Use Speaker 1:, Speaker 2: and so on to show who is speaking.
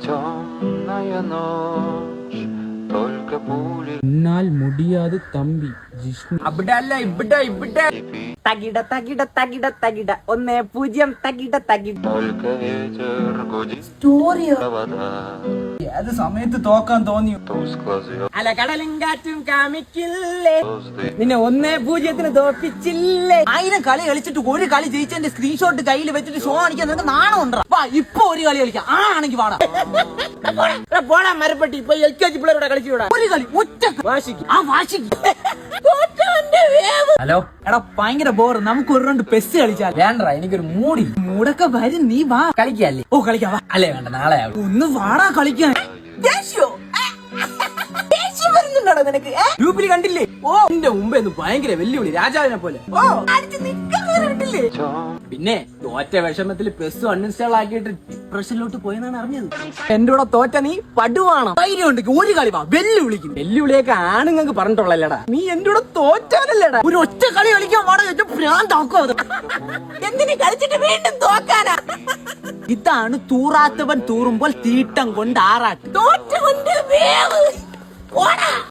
Speaker 1: എന്നാൽ മുടിയാതെ തമ്പി ജിഷ്ണു
Speaker 2: അവിടല്ല ഇവിടെ തകിട തകിട തകിട തകിട 1-0 തകിട തകിട സ്റ്റോറിയോ
Speaker 1: ഏത് സമയത്ത് തോക്കാൻ തോന്നിയോ?
Speaker 2: അല കടലും കാറ്റും കാമിക്കില്ലേ നിന്നെ 1-0 തോപ്പിച്ചില്ലേ. 1000 കളി കളിച്ചിട്ട് ഒരു കളി ജയിച്ചതിന്റെ സ്ക്രീൻഷോട്ട് കയ്യിൽ വെച്ചിട്ട് ഷോ കാണിക്കാൻ നിനക്ക് നാണം ഉണ്ടോ? വാ ഇപ്പൊ ഒരു കളി കളിക്കാം ആണെങ്കിൽ വാടാ പോടാ മരപ്പെട്ടി ഇപ്പൊ LKG പിള്ളേരോടെ കളിച്ചു വിടാ ഒരു കളി ഒറ്റ വാശിക്ക് ആ വാശിക്ക്. ഹലോ എടാ ഭയങ്കര ബോർ നമുക്ക് ഒരു രണ്ട് പെസ് കളിച്ചാൽ വേണ്ട എനിക്കൊരു മൂടൊക്കെ വരും നീ വാ കളിക്കല്ലേ. ഓ കളിക്കാം വാ അല്ലേ വേണ്ട നാളെ ഒന്ന് വാടാ കളിക്കാൻ. വരുന്നുണ്ടോ നിനക്ക് ഗ്രൂപ്പിൽ കണ്ടില്ലേ? ഓ എന്റെ മുമ്പേ ഭയങ്കര വെല്ലുവിളി രാജാവിനെ പോലെ. ഓ കണ്ടില്ലേ? പിന്നെ തോറ്റ വിഷമത്തിൽ പെസ് അൺഇൻസ്റ്റാൾ ആക്കിയിട്ട് ഡിപ്രഷനിലോട്ട് പോയെന്നാണ് അറിഞ്ഞത്. എന്റെ കൂടെ തോറ്റ നീ പടുവാണോ? ധൈര്യം ഉണ്ടെങ്കിൽ ഒരു കളി വാ വെല്ലുവിളിക്കും. വെല്ലുവിളിയൊക്കെ ആണുങ്ങൾക്ക് പറഞ്ഞിട്ടുള്ളല്ലേടാ. നീ എന്റെ കൂടെ തോറ്റാനല്ലേടാ. ഒരു ഒറ്റ കളി കളിക്കാൻ പാടാ ഭ്രാന്താക്കോ അത്. എന്തിനു കളിച്ചിട്ട് വീണ്ടും തോക്കാനാ? ഇതാണ് തൂറാത്തവൻ തൂറുമ്പോൾ തീട്ടം കൊണ്ട് ആറാട്ട് തോറ്റ കൊണ്ട് വേവ്.